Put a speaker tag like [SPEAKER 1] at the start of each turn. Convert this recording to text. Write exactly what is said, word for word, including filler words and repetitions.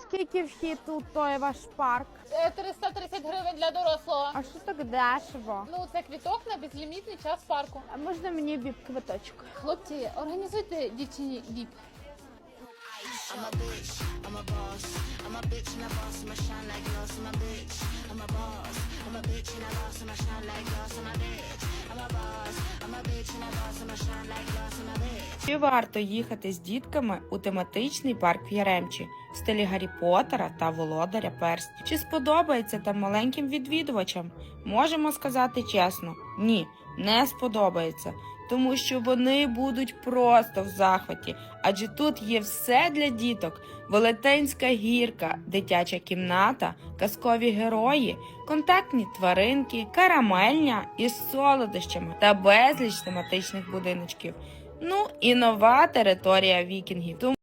[SPEAKER 1] Скільки вхід у той ваш парк?
[SPEAKER 2] Е, триста тридцять гривень для дорослого.
[SPEAKER 1] А що так дешево?
[SPEAKER 2] Ну, це квіток на безлімітний час парку.
[SPEAKER 1] А можна мені віп-квиточок?
[SPEAKER 2] Хлопці, організуйте дівчині віп.
[SPEAKER 3] I'm a bitch, I'm a boss. I'm a bitch and a boss, I'ma shine like glass. I'm a bitch, I'm a boss. I'm a bitch and a boss, I'ma shine like glass. I'm a bitch, I'm a boss. I'm a bitch and a boss, I'ma shine like glass. I'm a bitch.
[SPEAKER 4] Чи варто їхати з дітками у тематичний парк в Яремчі в стилі Гаррі Поттера та Володаря перснів? Чи сподобається там маленьким відвідувачам? Можемо сказати чесно, ні, не сподобається. Тому що вони будуть просто в захваті, адже тут є все для діток: велетенська гірка, дитяча кімната, казкові герої, контактні тваринки, карамельня із солодощами та безліч тематичних будиночків. Ну і нова територія вікінгів. Тому